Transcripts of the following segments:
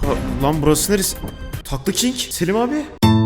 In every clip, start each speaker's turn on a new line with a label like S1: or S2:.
S1: Lan burası neresi? Taklı King. Selim abi.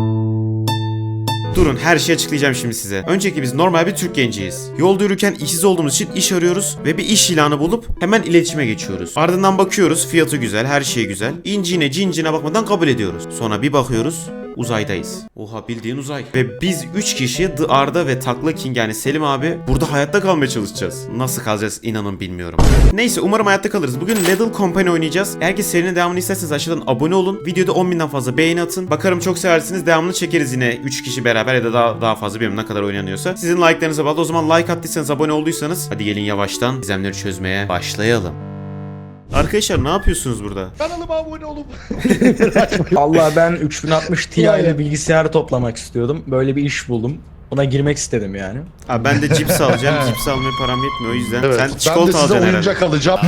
S1: Durun, her şeyi açıklayacağım şimdi size. Öncelikle biz normal bir Türk genciyiz. Yolda yürürken işsiz olduğumuz için iş arıyoruz ve bir iş ilanı bulup hemen iletişime geçiyoruz. Ardından bakıyoruz, fiyatı güzel, her şey güzel. İncine cincine bakmadan kabul ediyoruz. Sonra bir bakıyoruz, uzaydayız. Oha, bildiğin uzay. Ve biz 3 kişi The Arda ve Takla King yani Selim abi burada hayatta kalmaya çalışacağız. Nasıl kalacağız inanın bilmiyorum. Neyse, umarım hayatta kalırız. Bugün Little Company oynayacağız. Eğer ki serinin devamını isterseniz aşağıdan abone olun. Videoda 10.000'den fazla beğeni atın. Bakarım çok seversiniz. Devamını çekeriz yine 3 kişi beraber ya da daha fazla, bilmiyorum ne kadar oynanıyorsa. Sizin like'larınıza bağlı. O zaman like attıysanız, abone olduysanız hadi gelin yavaştan gizemleri çözmeye başlayalım. Arkadaşlar ne yapıyorsunuz burada?
S2: Kanalıma abone olun.
S3: Allah, ben 3060 Ti ile bilgisayarı toplamak istiyordum. Böyle bir iş buldum. Buna girmek istedim yani.
S1: Abi ben de cips alacağım. Cips almaya param yetmiyor, o yüzden.
S2: Evet,
S1: Sen
S2: ben de
S1: çikolata
S2: size
S1: alacaksın
S2: oyuncak alacağım.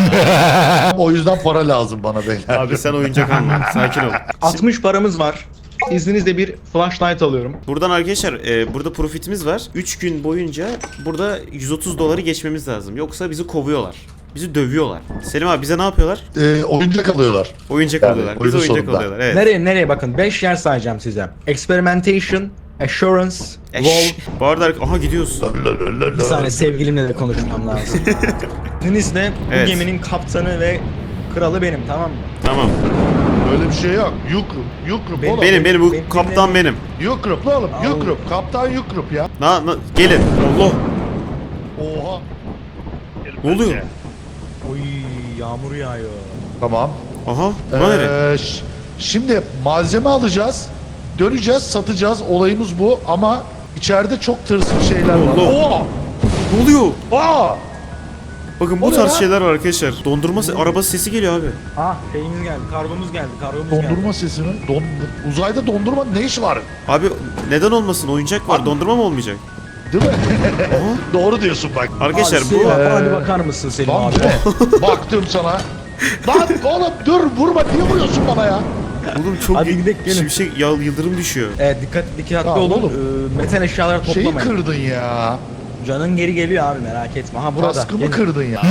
S2: O yüzden para lazım bana beyler.
S1: herhalde. Abi sen oyuncak alma. Sakin ol.
S3: 60 paramız var. İzninizle bir flashlight alıyorum.
S1: Buradan arkadaşlar burada profitimiz var. 3 gün boyunca burada 130 doları geçmemiz lazım. Yoksa bizi kovuyorlar. Bizi dövüyorlar. Selim abi bize ne yapıyorlar?
S2: Oyuncak alıyorlar.
S1: Oyuncak
S2: Yani
S1: alıyorlar. Bize
S2: oyunun
S1: oyuncak
S2: sonunda.
S1: alıyorlar. Evet.
S3: Nereye bakın. 5 yer sayacağım size. Experimentation, Assurance, Wall.
S1: Bu arada aha gidiyoruz.
S3: Bir saniye, sevgilimle de konuşmam lazım. İzninizle
S1: Evet.
S3: bu geminin kaptanı ve kralı benim, tamam mı?
S1: Tamam.
S2: Öyle bir şey yok. Yukrup oğlum.
S1: Benim bu
S3: benim-
S1: kaptan benim.
S2: Yukrup la oğlum.
S3: Al.
S2: Yukrup. Kaptan Yukrup ya.
S1: Gelin. Allah.
S2: Oha.
S1: Ne oluyor?
S3: Oy, yağmur yağıyor.
S2: Tamam.
S1: Aha. Buna nere?
S2: Şimdi malzeme alacağız. Döneceğiz, satacağız. Olayımız bu ama içeride çok tırsık şeyler var.
S1: Allah.
S2: Oha.
S1: Ne oluyor?
S2: Aa!
S1: Bakın bu
S2: O ne
S1: tarz
S2: lan?
S1: şeyler var arkadaşlar. Dondurma arabası sesi geliyor abi.
S3: Ah, şeyimiz geldi, kargomuz geldi.
S2: Dondurma sesi mi? Uzayda dondurma ne işi var?
S1: Abi neden olmasın? Oyuncak var. Dondurma mı olmayacak?
S2: Değil mi? Doğru diyorsun bak.
S1: Arkadaşlar
S3: Abi,
S1: bu
S3: bana bir bakar mısın Selim
S2: Lan
S3: abi?
S2: be, baktım sana. Lan oğlum dur vurma, niye vuruyorsun bana ya?
S1: oğlum çok
S3: Hadi gidelim, gelin.
S1: şimşek yıldırım düşüyor.
S3: Dikkatli
S2: Tamam
S3: olun.
S2: oğlum.
S3: Metal eşyaları
S2: Şeyi
S3: toplamayın.
S2: kırdın ya.
S3: Canın geri geliyor abi, merak etme. Ha, burada.
S2: Kaskımı
S3: Gelin.
S2: kırdın ya.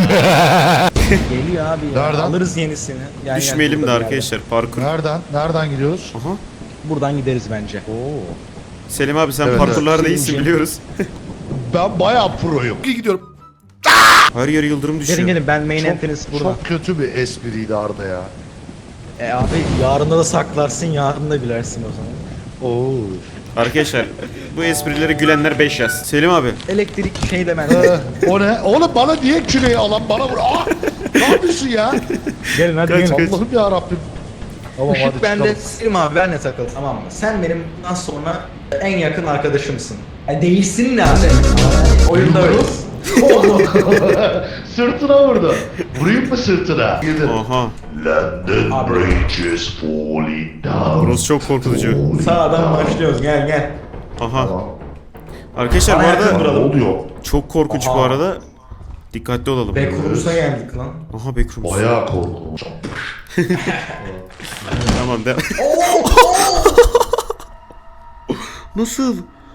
S3: Geliyor abi ya.
S2: Nereden?
S3: Alırız yenisini. Gel,
S1: Düşmeyelim de
S3: burada bir
S1: arkadaşlar, parkur.
S2: Nereden gidiyoruz?
S1: Aha.
S3: yerden. Buradan gideriz bence.
S2: Oo.
S1: Selim abi sen
S2: Evet,
S1: parkurlarda
S3: evet.
S1: iyisin biliyoruz.
S2: Ben bayağı proyum. İyi gidiyorum.
S1: Her yer yıldırım düşüyor.
S3: Gelin ben main entrance burada.
S2: Çok kötü bir espriydi Arda ya.
S3: Abi yarında da saklarsın, yarın da gülersin o zaman.
S2: Oo.
S1: Arkadaşlar bu esprilere gülenler 5 yaz. Selim abi.
S3: Elektrik şey de ben.
S2: O ne? Oğlum bana niye küreği alan bana vur? Aa! Ne yapıyorsun ya?
S3: Gelin hadi
S1: Kaç,
S3: gelin.
S1: kaç.
S2: Allah'ım ya Rabbim. Tamam hadi
S3: Işık bende,
S2: çıkalım.
S3: Selim abi benle takıl, tamam mı? Sen benim bundan sonra en yakın arkadaşımsın. Yani değilsin ne abi? Oyunda öyleyiz.
S2: Sırtına vurdu. Vurayım mı sırtına? Gidin.
S1: Aha.
S2: London
S3: Abi.
S2: Bridge is falling down.
S1: Burası çok korkutucu.
S3: Sağdan başlıyoruz, gel.
S1: Aha.
S2: Tamam.
S1: Arkadaşlar bu
S3: Bana yakın
S1: arada
S3: duralım.
S2: Ne oluyor?
S1: çok korkunç bu
S3: Aha.
S1: arada. Dikkatli olalım.
S3: Backrooms'a geldik lan.
S1: Aha backrooms.
S2: Bayağı korkunç.
S1: Tamam de. Nasıl?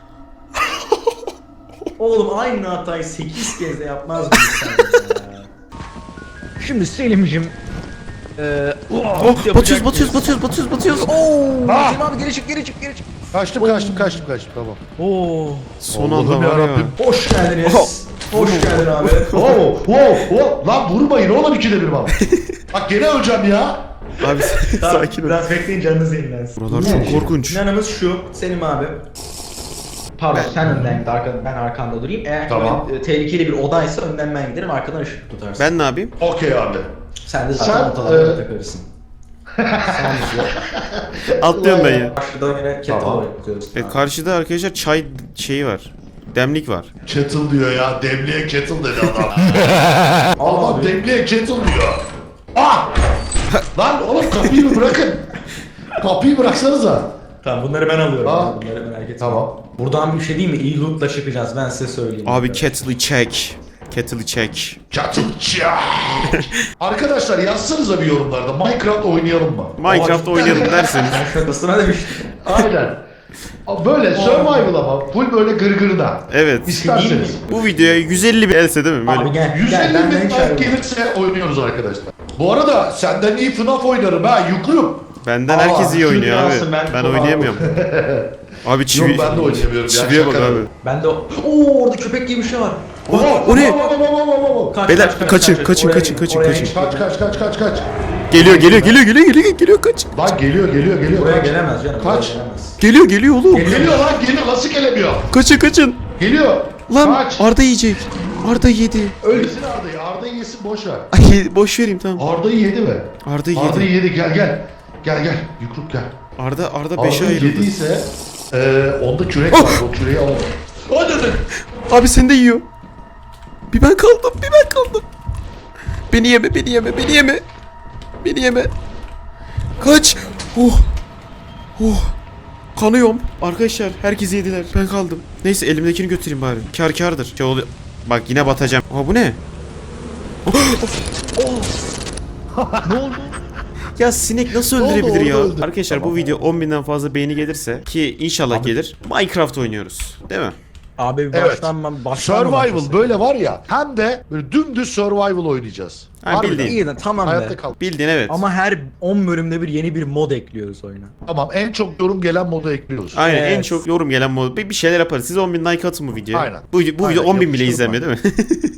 S3: Oğlum aynı hatayı 8 kez de yapmaz mısın sen ya? Şimdi Selim'cim
S1: Oh, batıyoruz.
S3: Ooo!
S2: Ah!
S3: Selim abi geri çık.
S2: Kaçtım tamam.
S3: Oo!
S1: Son anda
S2: Allah'ım
S1: var ya.
S2: yarabbim.
S3: Hoş geldiniz. Hoş geldin abi.
S2: Oh. Lan vurmayın oğlum ikide bir bana. Bak gene öleceğim ya.
S1: Abi sakin ol.
S3: Biraz bekleyin, canınız yenilensin.
S1: Buralar çok korkunç.
S3: Planımız şu Selim abi. Pardon, sen önden git, ben arkanda durayım. Eğer
S2: Tamam.
S3: tehlikeli bir odaysa önden ben giderim, arkadan ışık tutarsın.
S1: Ben ne yapayım?
S2: Okey abi.
S3: Sen de
S2: Sen,
S3: zaten ortalarına takılırsın. Sen
S1: Atlıyorum ben ya.
S3: Karşıda yine kettle
S2: Tamam.
S3: yapıyoruz.
S1: Karşıda arkadaşlar çay şeyi var. Demlik var.
S2: Kettle diyor ya. Demliğe kettle dedi adam. Adam
S3: abi.
S2: demliğe kettle diyor. Ah! Lan oğlum kapıyı bir bırakın. Kapıyı bıraksanıza.
S3: Tamam, bunları ben alıyorum.
S2: Aa.
S3: Bunları merak etme.
S2: Tamam.
S3: Buradan bir şey değil mi? İyi loot'la çıkacağız, ben size söyleyeyim.
S1: Abi kettle'ı çek. Kettle'ı çek.
S2: Kettle çak. Arkadaşlar yazsanıza bir yorumlarda. Minecraft oynayalım mı?
S1: Minecraft oynayalım derseniz.
S3: Ben şakasına demiştim.
S2: Aynen. Böyle survival ama full böyle gırgırda.
S1: Evet.
S2: İsterseniz.
S1: Bu videoya 150 bir else değil mi? Böyle.
S3: Abi gel.
S2: 150
S3: ben
S2: bin
S3: hiç
S2: like gelirse oynuyoruz arkadaşlar. Bu arada senden iyi FNAF oynarım ha Yukrup.
S1: Benden
S2: Aa,
S1: herkes iyi
S3: şunu
S1: oynuyor abi.
S3: alsın, ben
S1: Ben
S3: çok
S1: oynayamıyorum. Abi çivi.
S2: Yok ben de oynayamıyorum.
S1: Çiviye bak abi.
S3: Ben de Oo orada köpek gibi bir şey var.
S1: O ne?
S3: Kaç,
S1: Beyler,
S3: kaç, kaç,
S1: kaçın,
S3: kaç.
S1: kaçın,
S3: Oraya
S1: kaçın,
S3: git,
S1: kaçın,
S3: oraya
S1: kaçın.
S3: git.
S2: Kaç.
S1: Geliyor kaç.
S2: Lan geliyor.
S3: Buraya
S2: Kaç.
S3: gelemez canım.
S2: Kaç.
S3: Buraya gelemez.
S1: Geliyor oğlum.
S2: Geliyor nasıl gelemiyor?
S1: Kaçın.
S2: Geliyor.
S1: Lan
S2: Kaç.
S1: Arda yiyecek. Arda yedi.
S2: Ölsün Arda'yı yesin boş ver.
S1: Ay boş vereyim tamam.
S2: Arda'yı yedi mi?
S1: Arda
S2: Arda'yı
S1: yedi.
S2: yedi Gel Yukruk gel.
S1: Arda 5'e
S2: Arda'yı
S1: ayrıldı.
S2: yediyse onda kürek var o küreği alalım. Hadi.
S1: Abi seni de yiyor. Bir ben kaldım. Beni yeme. Kaç. Kanıyorum. Arkadaşlar herkes yediler. Ben kaldım. Neyse elimdekini götüreyim bari. Kârdır. Şey oluyor. Bak yine batacağım. Aa bu ne?
S2: Ne oldu?
S1: Ya sinek nasıl
S2: Ne oldu?
S1: öldürebilir
S2: Orada
S1: ya?
S2: öldü.
S1: Arkadaşlar
S2: Tamam.
S1: bu video 10.000'den fazla beğeni gelirse ki inşallah gelir. Minecraft oynuyoruz. Değil mi?
S3: Abi
S2: Evet.
S3: baştan
S2: Survival böyle var ya hem de böyle dümdüz survival oynayacağız.
S1: Ha,
S2: Harbiden.
S1: bildiğin.
S3: İyi de tamam
S2: Hayatta
S3: be.
S2: kal.
S1: Bildin evet.
S3: Ama her 10 bölümde bir yeni bir mod ekliyoruz oyuna.
S2: Tamam en çok yorum gelen modu ekliyoruz.
S1: Aynen en
S3: Evet.
S1: çok yorum gelen mod. Bir şeyler yaparız. Siz 10.000 like atın bu videoya.
S2: Aynen.
S1: Bu video
S2: Aynen,
S1: 10.000 bile
S2: yapıştırın
S1: izlenmiyor değil mi?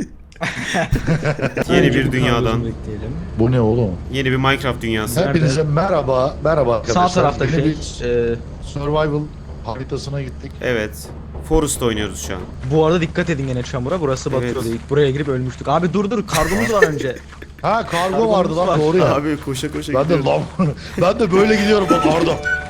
S1: Yeni bir dünyadan.
S3: Bekleyelim.
S2: Bu ne oğlum?
S1: Yeni bir Minecraft dünyası.
S2: Hepinize merhaba arkadaşlar.
S3: Sağ tarafta
S2: Yine
S3: şey,
S2: bir survival haritasına gittik.
S1: Evet. Forest oynuyoruz şu an.
S3: bu arada dikkat edin gene çamura, burası batıyordu.
S1: Evet.
S3: İlk buraya girip ölmüştük. Abi dur kargomuz var önce.
S2: Ha kargo
S3: Kargomuz
S2: vardı lan
S3: var.
S2: doğru ya.
S1: Abi koşa
S2: Ben de
S1: gidiyoruz.
S2: lan ben de böyle gidiyorum bak Arda.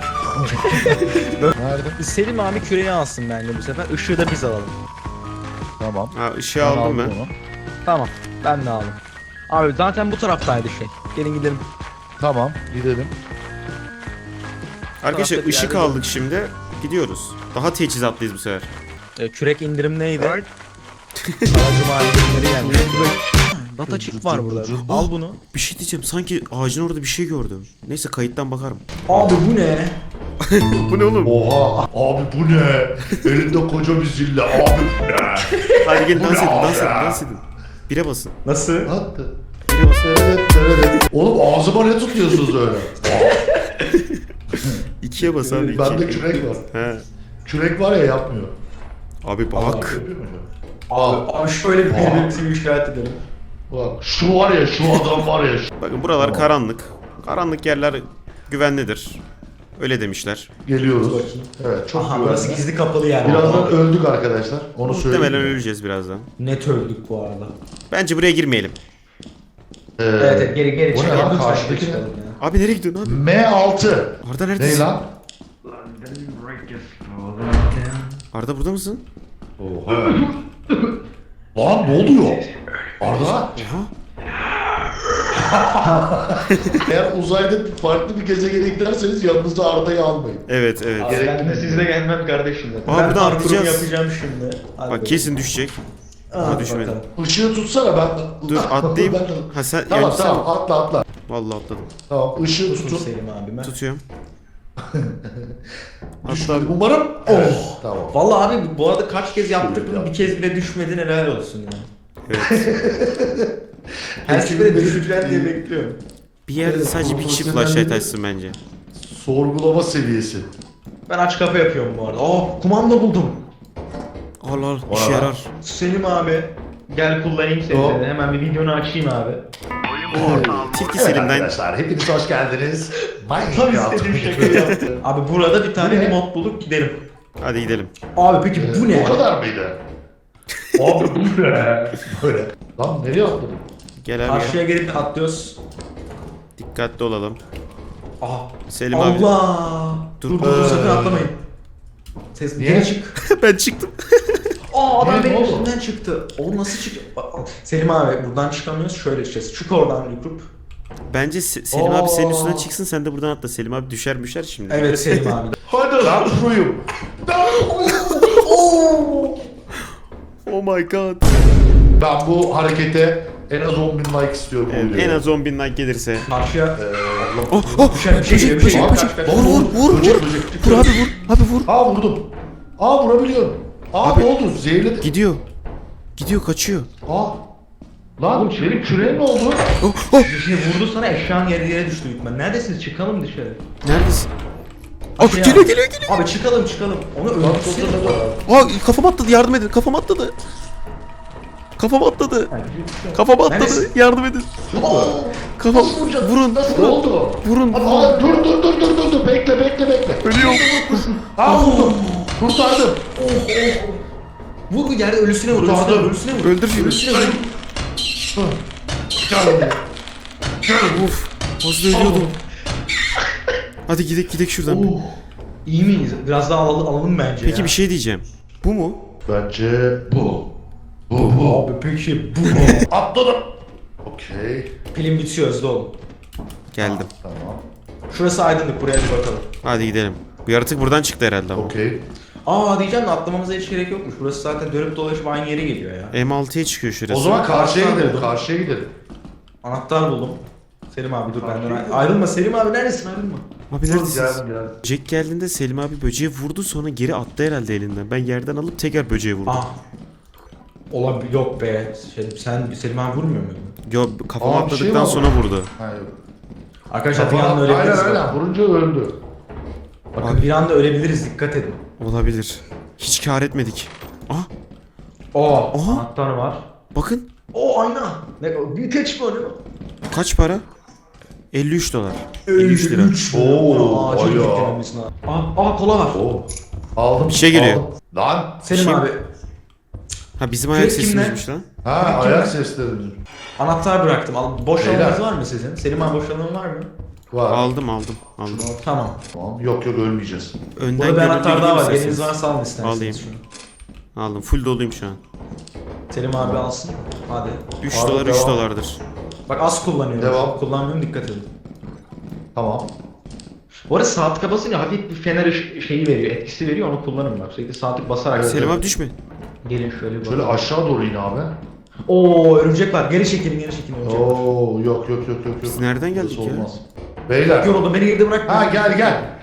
S2: Nerede?
S3: Selim abi küreği alsın bence bu sefer. Işığı da biz alalım.
S2: Tamam.
S1: Ha ışığı
S2: Ben
S1: aldım ben.
S2: onu.
S3: Tamam. Ben de aldım. Abi zaten bu taraftaydı şey. Gelin gidelim.
S2: Tamam gidelim.
S1: Arkadaşlar
S3: Tarafta bir
S1: ışık
S3: yerde
S1: aldık şimdi. Gidiyoruz. Daha teçhizatlıyız bu sefer.
S3: Kürek indirim neydi? Cuma indirimleri geldi. Data chip var burada. Al bunu.
S1: Bir şey diyeceğim. Sanki ağacın orada bir şey gördüm. Neyse kayıttan bakarım.
S3: Abi bu ne?
S1: Bu ne oğlum?
S2: Oha abi bu ne? Elinde koca bir zille abi bu ne?
S1: Hadi gelin
S2: Bu
S1: dans
S2: ne
S1: edin,
S2: abi
S1: dans edin,
S2: ya?
S1: dans edin. Bire basın.
S3: Nasıl?
S2: Attı.
S1: Bire basın.
S2: Oğlum ağzıma ne tutuyorsunuz öyle?
S1: 2'ye bas abi.
S2: Bende
S1: iki.
S2: kürek var.
S1: He.
S2: Kürek var ya yapmıyor.
S1: Abi bak.
S2: Yapıyor mu? Al.
S3: Abi şöyle bir birbirimizi işaret edelim.
S2: Bak şu var ya şu adam var ya.
S1: Bakın buralar
S2: Tamam.
S1: karanlık. Karanlık yerler güvenlidir. Öyle demişler.
S2: Geliyoruz. Evet çok
S3: Aha burası
S2: güvenli.
S3: gizli kapalı yer.
S2: Birazdan öldük arkadaşlar. Onu
S1: Muhtemelen
S2: söyleyeyim.
S1: öleceğiz birazdan.
S3: Net öldük bu arada.
S1: Bence buraya girmeyelim.
S3: Evet geri
S2: bu ne
S3: çıkalım.
S2: lan?
S3: Lütfen
S2: Karşıdaki
S3: geri
S2: ne?
S3: çıkalım ya.
S1: Abi nereye gidiyorsun abi?
S2: M6.
S1: Arda
S2: Ne
S1: neredesin?
S2: lan?
S1: Arda burada mısın?
S2: Oha. Lan ne oluyor? Arda?
S1: Aha.
S2: Eğer uzayda farklı bir gezegene giderseniz yanınızda Arda'yı almayın.
S1: Evet evet.
S3: Abi ben de sizle gelmem kardeşim.
S1: Aa,
S3: Ben
S1: buradan
S3: parkurumu
S1: atlayacağız.
S3: yapacağım şimdi. Hadi
S1: Bak kesin düşecek. Ama düşmedi.
S3: bakalım.
S2: Işığı tutsana ben.
S1: Dur atlayayım.
S2: Ben-
S1: Ha sen
S2: Tamam
S1: yani
S2: tamam atla.
S1: sen vallahi atladım.
S2: Tamam ışığı
S3: Tutun
S2: tutun.
S3: Selim abime.
S1: Tutuyorum.
S2: Düşmedi umarım. Oh. Tamam.
S3: Vallahi abi bu arada kaç kez yaptık bunu, bir kez bile düşmedin, helal olsun ya.
S1: Evet.
S3: Her seferinde düşeceğim diye bekliyorum.
S1: Bir yerde sadece bir kişi flashlight açsın bence.
S2: Sorgulama seviyesi.
S3: Ben aç kapı yapıyorum bu arada. Kumanda buldum.
S1: Al al işe
S2: Vay.
S1: yarar.
S3: Selim abi. Gel kullanayım seni.
S2: Hop.
S3: dedi. Hemen bir videonu açayım abi.
S1: Tilki
S2: Evet
S1: Selim'den
S2: arkadaşlar hepiniz hoş geldiniz.
S3: Tam
S2: Minecraft.
S3: istediğim şakayı yaptı. Abi burada bir
S2: Bu
S3: tane
S2: ne?
S3: mod bulduk, gidelim.
S1: hadi gidelim.
S3: Abi peki bu ne?
S2: O kadar mıydı? Abi bu ne? Böyle. Lan nereye atladın?
S1: Gel abi.
S3: Karşıya gelip atlıyoruz.
S1: Dikkatli olalım.
S3: Aha.
S1: Selim abi.
S3: Allah.
S1: Dur.
S3: Dur sakın atlamayın. Ses
S2: Niye?
S3: geri çık.
S1: Ben çıktım.
S3: Adam
S2: Niye,
S3: benim
S2: ne oldu?
S3: üstümden çıktı. O nasıl çıktı? Selim abi buradan çıkamıyoruz, şöyle çıkacağız. Çık oradan Yukrup.
S1: Bence Selim abi senin üstünden
S3: Oo.
S1: çıksın sen de buradan atla. Selim abi düşer şimdi.
S3: Evet Selim abi.
S2: Hadi lan şuyum.
S1: Oh my god.
S2: Ben bu harekete en az 10.000 like istiyorum. bu
S1: Evet,
S2: videoya.
S1: en az 10.000 like gelirse.
S3: Karşıya
S1: Oh oh.
S3: düşen bir şey geliyor, bir şey geliyor. Kaç, kaç.
S1: Vur.
S2: Böcek.
S1: Vur abi vur. Abi vur.
S2: Aa vurdum. Aa vurabiliyorum. Aa
S1: Abi-
S2: ne oldu? Zehirledi.
S1: Gidiyor. Gidiyor kaçıyor.
S2: Aa. Lan benim küreğe ne oldu?
S3: Bir şey vurdu sana, eşyan yere düştü hükmen. Neredesiniz? Çıkalım dışarı.
S1: Neredesin? Aa,
S3: Şey
S1: geliyor
S3: abi.
S1: geliyor geliyor.
S3: Abi çıkalım. Onu öldürsene.
S1: Aa, kafam atladı, yardım edin. Kafam atladı. Kafam atladı. Kafam atladı.
S3: Neredesin?
S1: Yardım edin. Kafam vurun.
S2: Nasıl oldu?
S1: Vurun.
S2: Aa, dur. Bekle.
S1: Ölüyorum.
S2: Aa, vurdum. Kurtardım.
S3: Vur yerde ölüsüne vur.
S2: Kurtardım.
S3: Ölüsüne vur.
S1: Öldür şunu.
S3: Ölüsüne vur.
S1: Of. Az da ölüyordum. Hadi gidek şuradan.
S3: İyi miyiz? Biraz daha alalım bence
S1: Peki
S3: ya.
S1: bir şey diyeceğim. Bu mu?
S2: Bence bu.
S3: Abi peki bu mu?
S2: Atladım. Okey.
S3: Pilim bitiyor, hızlı olun.
S1: Geldim.
S2: Tamam.
S3: Şurası aydınlık, buraya bir bakalım.
S1: Hadi gidelim. Bu yaratık buradan çıktı herhalde ama.
S2: Okey.
S3: Aa diyeceğim de atlamamıza hiç gerek yokmuş. Burası zaten dönüp dolaşıp aynı yere geliyor ya.
S1: M6'ya çıkıyor şurası.
S2: O zaman karşıya
S3: Anahtar
S2: gidelim.
S3: buldum.
S2: Karşıya gidelim.
S3: Anahtar buldum. Selim abi dur benden ayrılma. Selim abi neredesin, ayrılma.
S1: Abi neredesiniz?
S2: Geldim.
S1: Jack geldiğinde Selim abi böceği vurdu, sonra geri attı herhalde elinden. Ben yerden alıp tekrar böceği vurdum.
S3: Ah. Olabilir, yok be. Sen Selim abi vurmuyor muydun?
S1: Yo, kafama
S2: Aa, bir şey
S1: atladıktan
S2: var.
S1: sonra vurdu.
S2: Hayır.
S3: Arkadaşlar bir anda ölebiliriz.
S2: Aynen. Vurunca öldü.
S3: Bakın bir anda ölebiliriz, dikkat edin.
S1: Olabilir. Hiç kar etmedik. Ah,
S3: Aha. Anahtar var.
S1: bakın.
S3: Ayna. Ne büyüteç mi o, ne o?
S1: Kaç para? 53 dolar. 53 lira.
S2: Oo,
S3: Acil
S2: aya.
S3: beklememiz lazım. Kola var.
S2: Oo. Aldım.
S1: Bir şey geliyor.
S2: aldım. Lan.
S3: Selim
S1: Kim?
S3: abi.
S1: Ha, bizim ayak
S3: Kim ne?
S1: sesimizmiş lan.
S2: Ha, ayak sesleri.
S3: Anahtar bıraktım. Boş
S2: Beyler.
S3: alanınız var mı sizin? Selim abi boş alanın var mı?
S2: Var.
S1: Aldım.
S3: Tamam.
S2: Tamam. Yok ölmeyeceğiz.
S1: Önden
S3: Burada bir anahtar daha var.
S1: isterseniz.
S3: Eliniz varsa alın isterseniz
S1: Alayım.
S3: şunu.
S1: Aldım. Full doluyum şu an.
S3: Selim abi alsın. Hadi.
S1: 3
S2: Abi,
S1: dolar 3
S2: devam.
S1: dolardır.
S3: Bak az kullanıyorum.
S2: Devam.
S3: Çok kullanmıyorum, dikkat edin.
S2: Tamam.
S3: Bu arada sağ tıka basınca hafif bir fener şeyi veriyor, etkisi veriyor, onu kullanın bak. Sürekli sağ tık basarak.
S1: Selim abi düşme.
S3: Gelin şöyle bir
S2: Şöyle
S3: bakalım.
S2: aşağı doğru in abi.
S3: Oo örümcek var. Geri çekilin örümcek var.
S2: Oo, yok.
S1: Biz nereden geldik
S2: Burası
S1: ya?
S2: olmaz. Beyler.
S3: Yoruldum, beni geride bırakma.
S2: Ha gel.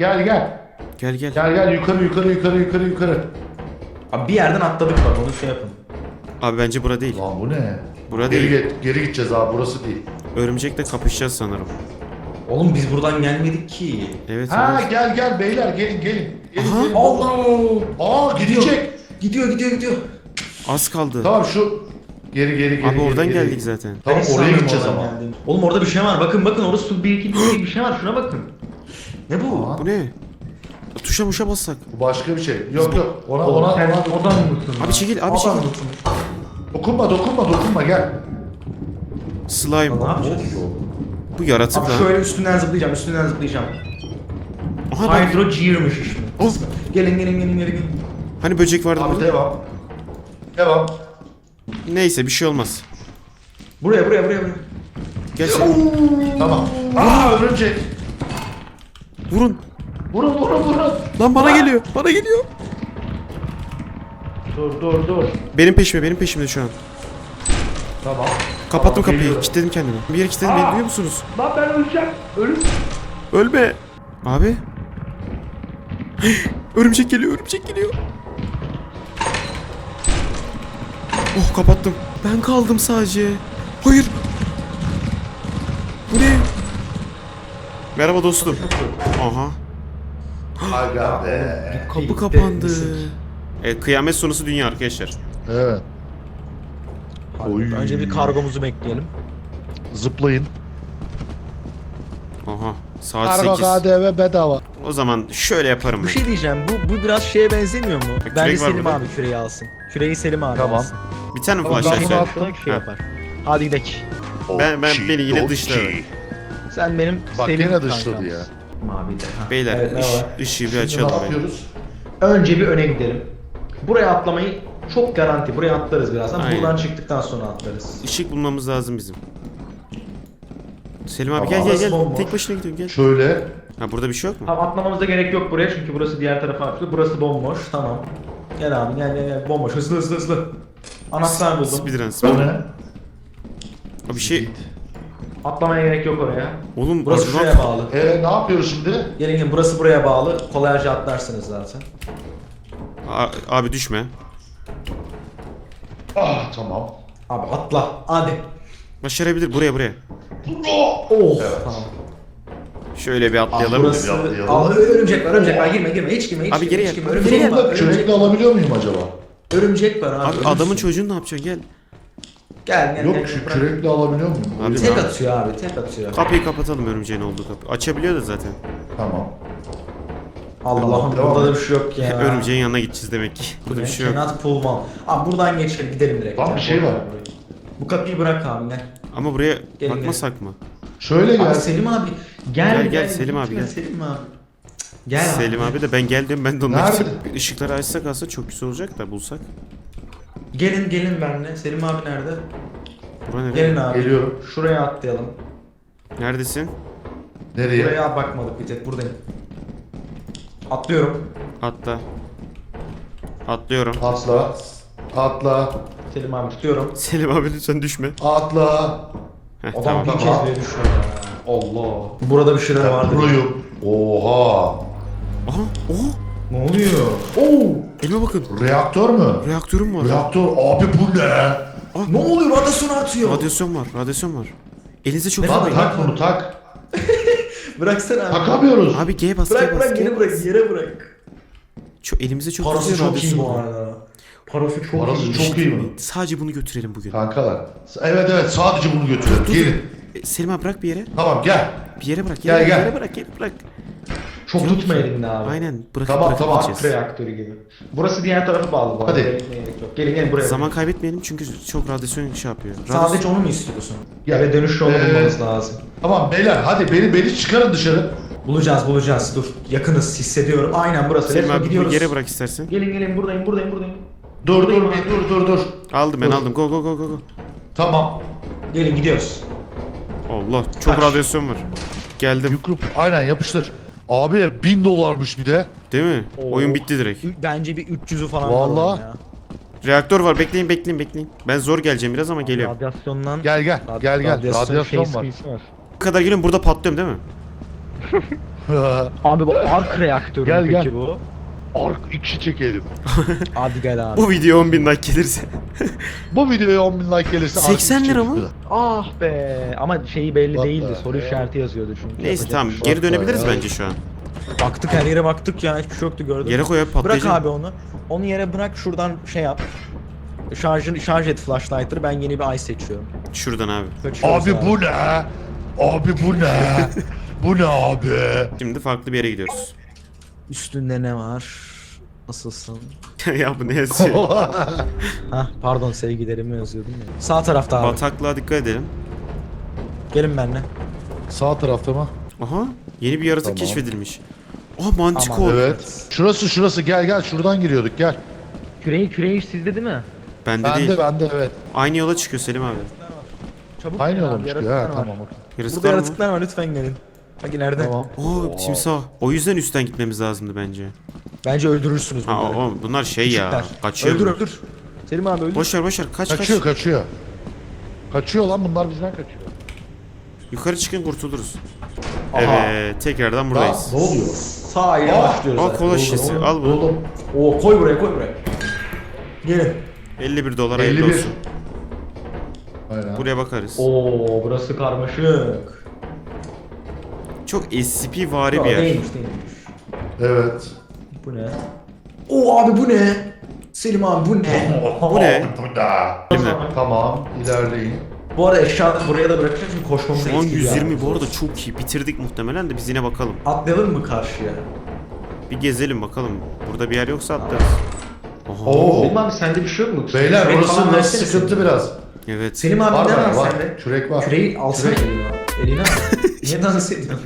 S1: Gel.
S2: Yukarı.
S3: Abi bir yerden atladık bak, onu şey yapın.
S1: Abi bence bura değil.
S2: Lan bu ne?
S1: Bura
S2: Geri,
S1: değil.
S2: geri gideceğiz abi, burası değil.
S1: Örümcekle kapışacağız sanırım.
S3: Oğlum biz buradan gelmedik ki.
S2: Ha
S1: Evet.
S2: gel beyler, gelin.
S1: Aha.
S3: Allah!
S2: Aa, gidecek.
S3: Gidiyor.
S1: Az kaldı.
S2: Tamam şu geri.
S1: Abi oradan
S2: geri.
S1: geldik zaten.
S2: Tamam
S3: Ben
S2: oraya
S3: sanmıyorum
S2: gideceğiz
S3: oradan
S2: ama.
S3: geldiğini. Oğlum orada bir şey var. Bakın orada su bir şey var. Şuna bakın. Ne bu?
S2: Aa,
S1: Bu ne? Tuşa muşa bassak.
S2: bu başka bir şey. Yok. Ona
S3: Sen oradan mısın?
S1: Abi çekil, abi çekil.
S2: dokunma gel.
S1: Slime.
S3: Ne yapacağız?
S1: Bu yaratık
S3: Abi
S1: lan.
S3: şöyle üstünden zıplayacağım.
S1: Aha bak.
S3: Hydro Gear'mış işte.
S1: Of.
S3: Gelin.
S1: Hani böcek vardı
S2: Abi
S1: burada?
S2: devam.
S1: Neyse bir şey olmaz.
S3: Buraya.
S1: Gel sen.
S2: Tamam. Aa, örümcek.
S1: Vurun.
S2: Vurun.
S1: Lan bana geliyor.
S2: Dur.
S1: Benim peşimde şu an.
S2: Tamam.
S1: Kapattım
S2: Tamam,
S1: kapıyı.
S2: geliyorum.
S1: Kilitledim kendimi. Bir yere kilitledim beni, duyuyor musunuz?
S2: Lan ben öleceğim.
S1: Ölme. Abi. Örümcek geliyor. Oh, kapattım. Ben kaldım sadece. Hayır. Bu ne? Merhaba dostum. Aha.
S2: Aga be.
S1: Kapı kapandı. Evet, kıyamet sonrası dünya arkadaşlar.
S2: Evet. Oy.
S3: Önce bir kargomuzu bekleyelim.
S2: Zıplayın.
S1: Aha. Saat
S2: Kargo
S1: 8.
S2: KDV bedava.
S1: O zaman şöyle yaparım
S3: Bir
S1: ben.
S3: şey diyeceğim. Bu biraz şeye benzemiyor mu?
S1: Kürek
S3: Bence
S1: var
S3: Selim
S1: burada.
S3: abi küreği alsın. Küreği Selim abi
S2: Tamam.
S3: alsın.
S1: Bir tane mi
S2: Tamam,
S1: flash
S2: ben bunu
S1: açar?
S2: attım.
S3: Şey yapar. Hadi gidelim.
S1: Ben beni yine dışladı.
S3: Sen benim
S2: Bak
S3: Selim
S2: gene
S3: kankam.
S2: dışladı ya.
S3: Mavi de. Ha.
S1: Beyler
S3: Evet, ne var?
S1: ışığı bir
S2: Şimdi ne
S1: açalım. be.
S2: yapıyoruz?
S3: Önce bir öne gidelim. Buraya atlamayı çok garanti. Buraya atlarız birazdan.
S1: Aynen.
S3: Buradan çıktıktan sonra atlarız.
S1: Işık bulmamız lazım bizim. Selim abi
S2: Tamam.
S1: gel.
S3: Bomboş.
S1: Tek başına gidiyorsun gel.
S2: Şöyle.
S1: Ha, burada bir şey yok mu?
S3: Tamam, atlamamıza gerek yok buraya çünkü burası diğer tarafa açılıyor. Burası bomboş. Tamam. Gel abi gel. Bomboş. Hızlı. Anahtar buldum.
S1: Speedrun.
S2: Bu ne?
S1: Abi bir şey...
S3: Atlamaya gerek yok oraya.
S1: Oğlum
S3: Burası
S1: acaba-
S3: şuraya bağlı.
S2: Ne yapıyoruz şimdi?
S3: Gelin burası buraya bağlı. Kolayca atlarsınız zaten.
S1: Abi düşme.
S2: Ah, tamam.
S3: Abi atla. Hadi.
S1: Başarabilir. Buraya.
S3: Oh tamam.
S1: Şöyle bir atlayalım.
S3: Burası...
S2: Atlayalım.
S3: Aa, örümcek var girme hiç girme hiç
S1: Abi
S3: girme,
S1: geri
S3: hiç
S1: gel.
S3: girme.
S1: Geri
S3: Örümcek
S1: gel.
S3: var, örümcek,
S2: Kürekle alabiliyor muyum acaba?
S3: örümcek var abi.
S1: Abi
S3: ölürsün.
S1: adamın çocuğunu ne yapacaksın? Gel.
S3: Gel
S2: Yok
S3: bırak.
S2: kürekle alabiliyor muyum?
S1: Abi,
S3: Tek atıyor abi tek atıyor.
S1: Kapıyı kapatalım, örümceğin olduğu kapı. Açabiliyor da zaten.
S2: Tamam.
S3: Allah'ım
S2: Devam
S3: burada da
S2: et.
S3: bir şey yok ya.
S1: Örümceğin yanına gideceğiz demek ki. Burada bir şey yok.
S3: Cannot pull man. Abi buradan geçelim gidelim direkt.
S2: Lan
S3: ya.
S2: bir şey var.
S3: Bu kapıyı bırak abi gel.
S1: Ama buraya
S3: Gel,
S1: bakmasak mı?
S2: Şöyle
S3: Abi
S2: gel.
S3: Selim abi gel
S1: Gel, Selim abi,
S3: gitme
S1: gel.
S3: Selim abi. Gel
S1: Selim abi de ben geldim, ben de onları
S2: Nerede?
S1: ışıkları açsak aslında çok güzel olacak da bulsak.
S3: Gelin benimle. Selim abi nerede?
S1: Bura nereye?
S3: Gelin abi.
S2: Geliyorum.
S3: Şuraya atlayalım.
S1: Neredesin?
S2: Nereye?
S3: Buraya bakmadık bir tek buradayım. Atlıyorum.
S1: Atla. Atlıyorum.
S2: Atla. Atla.
S3: Selim abi tutuyorum.
S1: Selim abi lütfen düşme.
S2: Atla.
S1: Heh,
S3: Adam
S1: tamam.
S3: bir
S2: Tamam.
S3: kez bile düşüyor ya. Allah. Burada bir şeyler
S2: Ben
S3: vardı.
S2: proyum. Oha.
S1: Aha, oha.
S3: Ne oluyor? Oo!
S1: Elime bakın.
S2: Reaktör mü?
S1: Reaktörüm var.
S2: Reaktör abi bu ne?
S3: Ne oluyor? Radyasyon artıyor.
S1: Radyasyon var. Elinize çok
S3: Ne
S2: Lan
S3: kadar-
S2: tak bunu tak.
S3: Bıraksana abi.
S2: Takamıyoruz.
S1: Abi G bas,
S3: Bırak
S1: G bas,
S3: bırak
S1: G
S3: yere
S1: bas.
S3: bırak yere bırak.
S1: Elimize çok
S3: Parası
S1: güzel
S3: çok iyi
S1: radyasyon
S3: bu
S1: var.
S3: arada. Parası çok
S2: Parası
S3: iyi.
S2: çok iyi mi?
S1: Sadece bunu götürelim bugün.
S2: Kankalar. Evet sadece bunu götürelim.
S1: Dur,
S2: Gelin.
S1: Selim abi bırak bir yere.
S2: Tamam gel.
S1: Bir yere bırak.
S2: Gel, gel.
S1: Yere bırak.
S3: Çok tutma elinde abi.
S1: Aynen.
S2: Tamam,
S1: Bırakıp
S2: tamam.
S1: gideceğiz.
S3: Reaktörü gibi. Burası diğer tarafı bağlı bu arada.
S2: Hadi.
S3: Gerekmeye gerek yok. Gelin buraya.
S1: Zaman kaybetmeyelim çünkü çok radyasyon şey yapıyor.
S3: Sadece onu mu istiyorsun?
S2: Ya,
S3: Eve dönüş yolu bulmamız lazım.
S2: Tamam beyler hadi beni çıkarın dışarı.
S3: Bulacağız. Dur. Yakınız hissediyorum. Aynen burası.
S1: Selim
S3: Let's go,
S1: abi bir
S3: gidiyoruz.
S1: yere bırak istersen.
S3: Gelin buradayım.
S2: Dur
S3: Buradayım abi.
S2: dur.
S1: Aldım ben
S2: Dur.
S1: aldım. Go.
S2: Tamam.
S3: Gelin gidiyoruz.
S1: Allah çok
S3: Kaç.
S1: radyasyon var. Geldim.
S2: Yukrup aynen yapıştır. Abi $1000'mış bir de.
S1: Değil mi?
S3: Oo.
S1: Oyun bitti direkt.
S3: Bence bir 300'ü falan
S2: Vallahi.
S3: var ya.
S1: Reaktör var. Bekleyin. Ben zor geleceğim biraz ama geliyorum.
S3: Radyasyondan...
S2: Gel. Radyasyon var.
S1: Bu kadar geliyorum, burada patlıyorum değil mi?
S4: Abi bu ark reaktörü
S2: Gel,
S4: peki
S2: gel.
S4: bu?
S2: Ark 2 çekelim.
S4: Hadi gel abi.
S1: Bu video 10.000 like gelirse.
S2: Bu videoya 10.000 like gelirse Ark
S1: 80
S2: 2
S1: lira mı?
S2: çıktı.
S4: Ah be. Ama şeyi belli
S2: What
S4: değildi.
S2: the
S4: Soru
S2: hell?
S4: işareti yazıyordu çünkü.
S1: Neyse
S4: Yapacak
S1: tamam,
S4: bir şey yok.
S1: geri dönebiliriz
S2: ya.
S1: bence şu an.
S3: Baktık her yere baktık ya hiçbir şey yoktu gördün
S1: Yere
S3: mü?
S1: koy abi,
S3: Bırak
S1: patlayacak.
S3: abi onu. Onu yere bırak şuradan şey yap. Şarj et flashlight'ları ben yeni bir ay seçiyorum.
S1: Şuradan abi.
S3: Kaçıyoruz
S2: Abi bu ne? Abi bu ne? Bu ne abi?
S1: Şimdi farklı bir yere gidiyoruz.
S3: Üstünde ne var? Nasılsın?
S1: Ya bu ne yazıyor?
S3: Hah pardon sevgilerimi yazıyordum ya. Sağ tarafta abi.
S1: Bataklığa dikkat edelim.
S3: Gelin benimle.
S2: Sağ tarafta mı?
S1: Aha, yeni bir yaratık
S2: Tamam.
S1: keşfedilmiş. Manticore.
S3: Aman.
S2: Evet. Şurası gel şuradan giriyorduk gel.
S4: Küreği sizde değil mi?
S1: Bende değil.
S2: Bende evet.
S1: Aynı yola çıkıyor Selim abi.
S4: Çabuk
S2: Aynı
S4: gel abi,
S2: olmuş ya
S4: yaratıklar var.
S2: tamam okey.
S3: Burada
S1: Yaratıklar mı?
S3: yaratıklar var lütfen gelin. Bak ileride.
S2: Tamam.
S1: Timsah. O yüzden üstten gitmemiz lazımdı bence.
S3: Bence öldürürsünüz
S1: Ha
S3: bunları.
S1: bunlar şey ya.
S3: Küçükler.
S1: Kaçıyor.
S3: Öldür. Selim abi öldür.
S1: Boş ver. Kaç.
S2: Kaçıyor. Kaçıyor lan bunlar bizden kaçıyor.
S1: Yukarı çıkın, kurtuluruz.
S3: Aha.
S1: Evet, tekrardan buradayız.
S2: Ne oluyor?
S3: Sağ ile başlıyoruz.
S1: Al
S3: zaten.
S1: kola şişesi. Al bunu.
S2: Oğlum
S3: Oo koy buraya. Gelin.
S1: 51 dolar hayırlı
S2: 51.
S1: olsun.
S2: Aynen.
S1: Buraya bakarız.
S3: Oo burası karmaşık.
S1: Çok SCP-vari bir
S3: Aa,
S1: yer.
S3: değilmiş.
S2: Evet.
S3: Bu ne? Oo abi bu ne? Selim abi bu ne?
S1: Bu ne?
S2: Bu da.
S1: Değil mi?
S2: Tamam ilerleyin.
S3: Bu arada eşyaları buraya da bırakacağız çünkü koşmamız
S1: Şu an
S3: etkili
S1: 120
S3: yani.
S1: bu arada çok iyi. Bitirdik muhtemelen de biz yine bakalım.
S3: Atlayalım mı karşıya?
S1: Bir gezelim bakalım. Burada bir yer yoksa atlarız. Oha.
S2: Oo.
S3: Selim abi sende bir şey yok mu?
S2: Beyler
S3: Kürek
S2: orası
S3: falan
S2: biraz
S3: versene
S2: sıkıntı
S3: Selim.
S2: biraz.
S1: Evet.
S3: Selim abi
S2: Var
S3: ne var
S2: var.
S3: sende?
S2: Kürek var.
S3: Küreği alsana
S2: Kürek.
S3: eline. Eline al. Niye dans ediyorsun?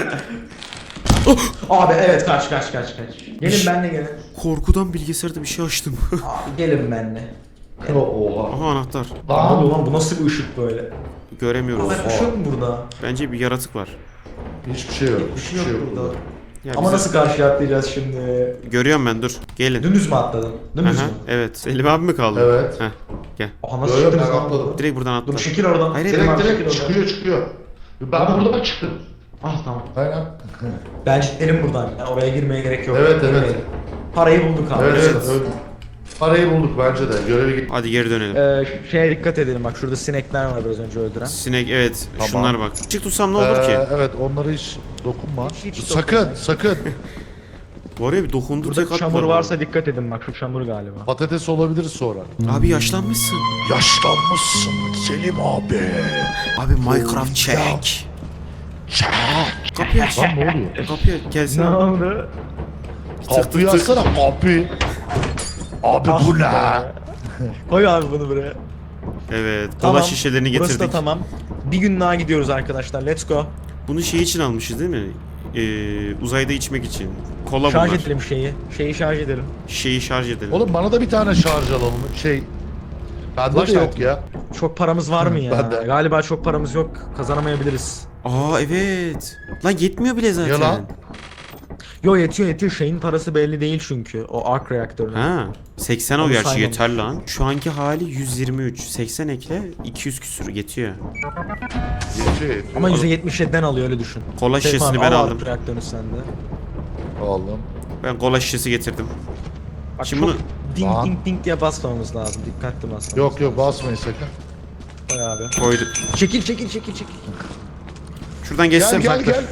S3: Abi evet kaç. Gelin benimle gelin.
S1: Korkudan bilgisayarda bir şey açtım.
S3: Abi gelin benimle.
S2: Oha.
S1: Aha, anahtar.
S3: Ne oluyor lan bu nasıl bir ışık böyle?
S1: Göremiyoruz.
S3: Abi bir şey yok mu burada?
S1: Bence bir yaratık var.
S2: Hiçbir şey yok.
S3: Bir şey yok burada.
S1: Ya
S3: Ama
S1: bize-
S3: nasıl karşıya atlayacağız şimdi?
S1: Görüyorum ben, dur. Gelin.
S3: Dümdüz mü atladın? Dümdüz
S1: Aha,
S3: mü?
S1: evet. Selim abi mi kaldı?
S2: Evet.
S1: Heh, gel.
S3: Aha nasıl
S2: Yo, yo,
S3: çıktınız
S2: ben
S3: lan?
S2: atladım.
S1: Direkt buradan atla.
S3: Dur çekil oradan.
S1: Hayır,
S3: Selim abi, çekil
S2: Direkt
S3: oradan.
S2: çıkıyor. Ben burada çıktım.
S3: Ah tamam.
S2: Aynen.
S3: Bence gidelim buradan. Yani oraya girmeye gerek yok.
S2: Evet, evet.
S3: Girmeyelim. Parayı bulduk abi.
S2: Evet
S3: Let's
S2: evet.
S3: go.
S2: evet. Parayı bulduk bence de. Görevi git.
S1: Hadi geri dönelim.
S3: Şeye dikkat edelim bak şurada sinekler var biraz önce öldüren.
S1: Sinek evet.
S2: Tamam.
S1: Şunlar bak. Çık tutsam ne olur ki?
S2: Evet onlara hiç dokunma.
S3: Hiç
S2: Sakın
S3: dokunma.
S2: sakın.
S1: Bu araya bir dokundur
S3: Burada
S1: tek
S3: çamur
S1: atmadım.
S3: varsa dikkat edin bak şu çamur galiba.
S2: Patates olabiliriz sonra.
S1: Abi yaşlanmışsın.
S2: Yaşlanmışsın Selim abi.
S1: Abi Minecraft check. Kapıyı aç.
S2: Lan ne oluyor?
S1: Kapıyı aç. Gelsene.
S3: oldu?
S2: Kapıyı açsana kapı. Abi bu ne?
S3: Koy abi bunu buraya.
S1: Evet. Kola şişelerini
S3: Burası
S1: getirdik.
S3: da tamam. Bir gün daha gidiyoruz arkadaşlar. Let's go.
S1: Bunu şey için almışız değil mi? Uzayda içmek için. Kola
S3: Şarj
S1: bunlar.
S3: edelim şeyi. Şeyi şarj edelim.
S1: Şeyi şarj edelim.
S2: Oğlum bana da bir tane şarj alalım. Bende de
S3: Flashlight
S2: yok ya.
S3: Çok paramız var mı ya?
S2: Ben de.
S3: Galiba çok paramız yok. Kazanamayabiliriz.
S1: Aa evet. Lan yetmiyor bile zaten.
S2: Ya lan.
S3: Yo yetiyor. Şeyin parası belli değil çünkü. O arc reaktörün.
S1: Ha. 80 o
S3: Onu
S1: gerçi
S3: saymamış.
S1: yeter lan. Şu anki hali 123. 80 ekle 200 küsür yetiyor.
S2: Yetiyor.
S3: Ama %77'den alıyor öyle düşün.
S1: Kola
S3: Seyf
S1: şişesini
S3: abi,
S1: ben
S3: al
S1: aldım.
S3: arc reaktörünü sende.
S2: Aldım.
S1: Ben kola şişesi getirdim.
S3: Bak
S1: Şimdi
S3: çok
S1: bunu
S3: ding
S2: Lan.
S3: ding ding diye basmamız lazım. Dikkatli basmamız.
S2: Yok basmayın sakın.
S3: Koy abi.
S1: koyduk.
S3: Çekil.
S1: Şuradan geçsem.
S2: Gel.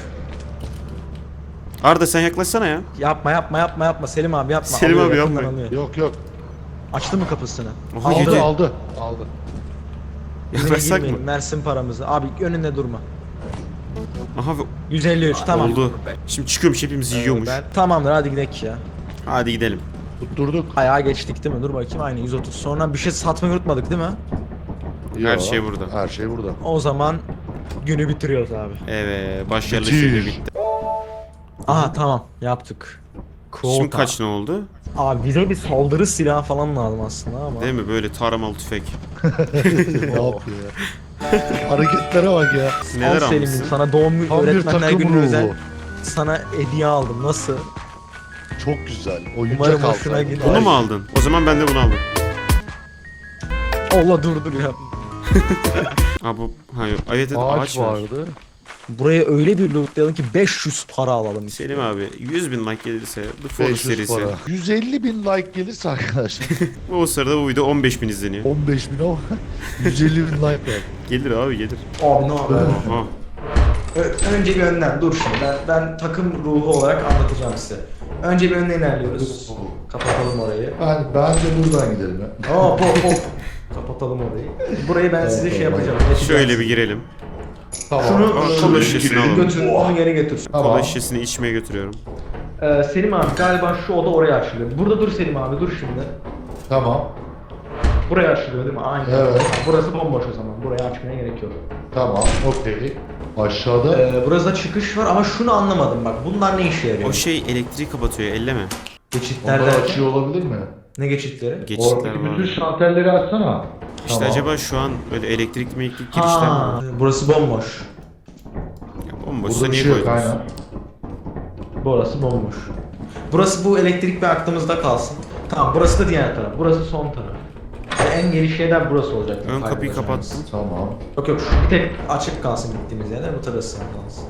S1: Arda sen yaklaşsana ya.
S3: Yapma. Selim abi yapma.
S1: Selim
S3: Alıyor,
S1: abi
S3: yakından
S1: yapma.
S3: alıyor.
S2: Yok.
S3: Açtı mı kapısını?
S1: Oha,
S3: Aldı.
S1: yedi.
S2: Aldı.
S1: Yaklaşsak mı?
S3: Girmeyin, versin paramızı. Abi önünde durma.
S1: Aha
S3: 153 tamam.
S1: oldu. Şimdi çıkıyormuş hepimizi yiyormuş.
S3: Tamamdır hadi gidelim ya.
S1: Hadi gidelim.
S2: Tutturduk.
S3: Ayağa geçtik değil mi? Dur bakayım aynı 130. Sonra bir şey satmayı unutmadık değil mi?
S1: Her
S2: Yo,
S1: şey burada.
S2: Her şey burada.
S3: O zaman günü bitiriyoruz abi.
S1: Evet başarılı
S2: Bitir.
S1: şekilde bitti.
S3: Aha tamam yaptık.
S1: Şimdi
S3: Quota.
S1: kaç ne oldu?
S3: Abi bize bir saldırı silahı falan lazım aslında ama.
S1: Değil mi böyle taramalı tüfek.
S2: Ne yapıyor ya? Hareketlere bak ya.
S1: Neler
S3: Al Selim'im
S1: almışsın?
S3: sana doğum günü
S2: Tam bir
S3: öğretmenler
S2: takım
S3: günü
S2: ruhu.
S3: özel sana hediye aldım. Nasıl?
S2: Çok güzel. Oyuncak
S3: Umarım
S2: aldı.
S3: hoşuna gider.
S1: Bunu mu aldın? O zaman ben de bunu aldım.
S3: Allah dur ya.
S1: Aa bu hayır. Evet
S2: Ağaç
S1: var.
S2: vardı.
S3: Buraya öyle bir lootlayalım ki 500 para alalım.
S1: Selim abi 100.000 like gelirse The Forest
S2: 500
S1: serisi.
S2: para. 150 bin like gelirse arkadaşlar.
S1: O sırada bu video 15.000 izleniyor.
S2: 15 bin ama 150 bin like var.
S1: Gelir abi gelir.
S3: Abi ne yapıyor?
S1: Aha.
S3: Önce bir önden dur şimdi ben takım ruhu olarak anlatacağım size. Önce bir önden ilerliyoruz. Kapatalım orayı.
S2: Bence buradan gidelim ya.
S3: Hop. Kapatalım orayı. Burayı ben size şey yapacağım.
S1: Şöyle bir girelim.
S2: Tamam.
S1: Aa, kola şişesini alalım.
S3: Götür, onu geri götür.
S1: Kola
S2: Tamam.
S1: şişesini içmeye götürüyorum.
S3: Selim abi galiba şu oda oraya açılıyor. Burada dur Selim abi dur şimdi.
S2: Tamam.
S3: Buraya açılıyor değil mi? Aynen.
S2: Evet.
S3: Burası bomboş o zaman. Buraya açmaya gerek yok.
S2: Tamam. Okey. Aşağıda.
S3: Burası da çıkış var ama şunu anlamadım bak. Bunlar ne işe yarıyor?
S1: O şey elektriği kapatıyor elleme.
S3: Geçitler
S2: Onlar
S3: derken-
S2: açıyor olabilir mi?
S3: Ne geçitleri?
S1: Geçitler
S2: Oradaki
S1: var.
S2: bütün şalterleri açsana.
S1: İşte
S2: Tamam.
S1: acaba şu an böyle elektrikli girişler mi
S3: Ha,
S1: var?
S3: burası bomboş.
S1: Ya bomboşsa
S2: Burada bir
S1: niye
S2: şey yok
S1: koydunuz?
S2: aynen.
S3: Burası bomboş. Burası bu elektrik bir aklımızda kalsın. Tamam burası da diğer taraf. Burası son taraf. En geniş yerden burası olacak.
S1: Ön kapıyı kapattım.
S2: Tamam.
S3: Yok şu bir tek açık kalsın gittiğimiz yerden bu tarafı kalsın.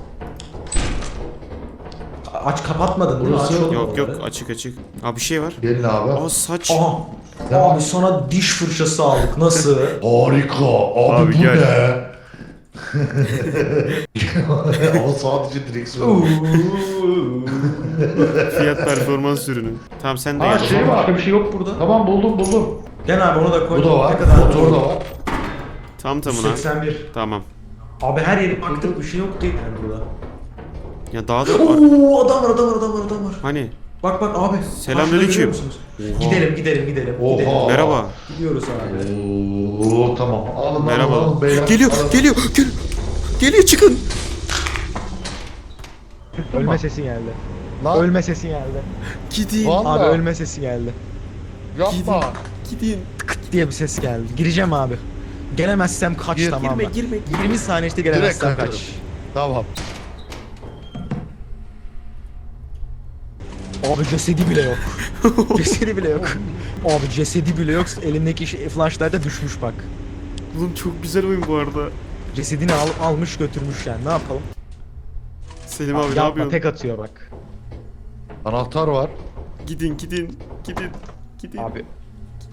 S3: Aç kapatmadın değil mi?
S2: Burası-
S3: Aç oğlum
S1: Yok
S3: oraları.
S1: açık açık. Aa bir şey var.
S2: Gelin abi.
S1: Aa saç.
S3: Aha. Abi sana diş fırçası aldık. Nasıl?
S2: Harika. Abi,
S1: Abi
S2: bu
S1: gel.
S2: ne? Ama sadece direksiyon.
S1: Fiyat performans ürünü. Tamam sen de
S2: Aa,
S1: gel.
S2: şey var.
S3: Başka bir şey yok burada.
S2: Tamam buldum.
S3: Gel abi onu da koy.
S2: Bu da var.
S3: Ne kadar?
S2: Motor da var.
S1: Tam tamına.
S3: 81.
S1: Tamam.
S3: Abi her yere baktık bir şey yok değil yani burada.
S1: Ya daha da
S3: Oo adam var.
S1: hani
S3: Bak abi.
S1: Selamünaleyküm.
S3: Karşıda görüyor musunuz? Gidelim.
S2: Oha.
S1: merhaba.
S3: Gidiyoruz abi.
S2: Oo tamam. Alın
S1: Merhaba.
S2: alın beyler.
S1: Geliyor,
S2: Alın.
S1: geliyor çıkın.
S4: Ölme sesi geldi.
S2: Lan
S4: Ölme sesi geldi.
S1: Gidin.
S2: vallahi
S4: Abi ölme sesi geldi.
S2: yapma.
S1: Gidin.
S4: Kıt diye bir ses geldi. Gireceğim abi. Gelemezsem kaç
S2: Gir,
S4: tamam mı?
S1: Girme.
S4: 20 saniye işte
S2: Direkt
S4: gelemezsem
S2: kaçarım.
S4: kaç.
S2: Tamam.
S4: Abi cesedi bile yok. Cesedi bile yok. Abi cesedi bile yok. Elindeki flashlight da düşmüş bak.
S1: Oğlum çok güzel oyun bu arada.
S4: Cesedini almış götürmüş yani. Ne yapalım?
S1: Selim abi ne
S4: Yapma
S1: yapıyorsun?
S4: tek atıyor bak.
S2: Anahtar var.
S1: Gidin.
S4: Abi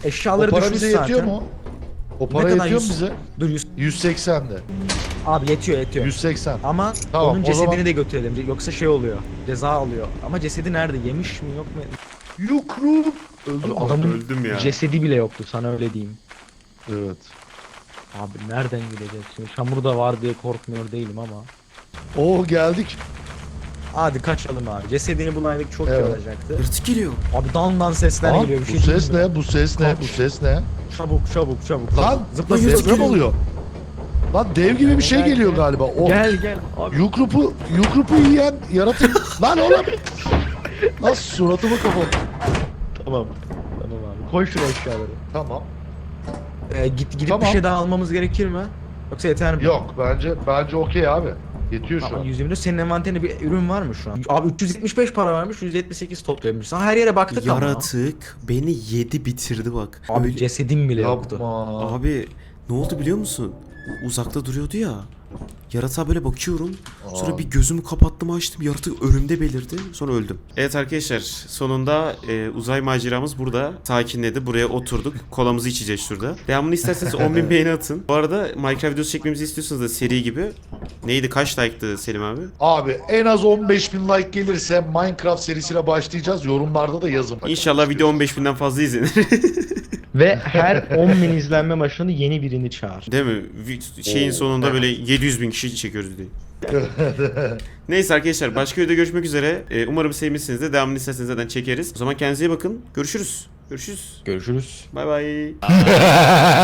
S2: O
S4: Eşyaları
S2: para
S4: düşmüş
S2: bize
S4: zaten.
S2: yetiyor mu? O para
S4: kadar
S2: yetiyor mu
S4: 100?
S2: bize?
S4: Dur 100.
S2: 180'de.
S4: Abi yetiyor.
S2: 180.
S4: Ama
S2: Tamam,
S4: onun
S2: o
S4: cesedini
S2: zaman-
S4: de götürelim. Yoksa şey oluyor. Ceza alıyor. Ama cesedi nerede? Yemiş mi yok mu?
S2: Yukru. Öldü mü?
S4: Adamın
S1: Öldüm ya.
S4: cesedi bile yoktu, sana öyle diyeyim.
S2: Evet.
S4: Abi nereden gideceğiz şimdi? Çamur da var diye korkmuyor değilim ama.
S2: Oo geldik.
S4: Hadi kaçalım abi. Cesedini bulaydık çok iyi
S2: Evet.
S4: olacaktı.
S1: Yırtık geliyor.
S4: Abi dan sesler
S2: Lan,
S4: geliyor bir şey
S2: bu ses
S4: diyeyim mi?
S2: ne? Bu ses ne? Bu ses ne?
S4: Çabuk.
S2: Lan
S4: Zıpla
S2: zıpla
S4: zıpla.
S2: deprem oluyor. Lan dev gibi bir şey
S4: Gel,
S2: geliyor
S4: gel.
S2: galiba. O
S4: Gel abi.
S2: Yukrupu yiyen yaratık. Lan oğlum. Lan suratımı kapat.
S4: Tamam abi. Koy şuraya eşyaları.
S2: Tamam.
S4: Gidip
S2: Tamam.
S4: bir şey daha almamız gerekir mi? Yoksa yeter mi?
S2: Yok bence okey abi. Yetiyor şu
S4: Tamam,
S2: an.
S4: 120'de senin envanterinde bir ürün var mı şu an? Abi 375 para vermiş, 178 toplayamış. Sana her yere baktık ama.
S1: Yaratık beni yedi bitirdi bak.
S4: Abi
S1: Öyle-
S4: cesedim bile yoktu.
S2: Yapma.
S1: Abi ne oldu biliyor musun? Uzakta duruyordu ya. Yaratığa böyle bakıyorum. Sonra
S2: Aa.
S1: bir gözümü kapattım açtım. Yaratık önümde belirdi. Sonra öldüm. Evet arkadaşlar sonunda uzay maceramız burada sakinledi. Buraya oturduk. Kolamızı içeceğiz şurada. Devamını isterseniz 10.000 beğeni atın. Bu arada Minecraft videosu çekmemizi istiyorsanız da seri gibi. Neydi kaç like'tı Selim abi?
S2: Abi en az 15.000 like gelirse Minecraft serisine başlayacağız. Yorumlarda da yazın.
S1: İnşallah video 15.000'den fazla izlenir.
S4: Ve her 10.000 izlenme başında yeni birini çağır.
S1: Değil mi? Şeyin sonunda böyle 700.000 kişi çekiyoruz diye. Neyse arkadaşlar başka videoda görüşmek üzere. Umarım sevmişsiniz de devamını isterseniz zaten çekeriz. O zaman kendinize iyi bakın. Görüşürüz.
S4: Görüşürüz.
S1: Bay bay.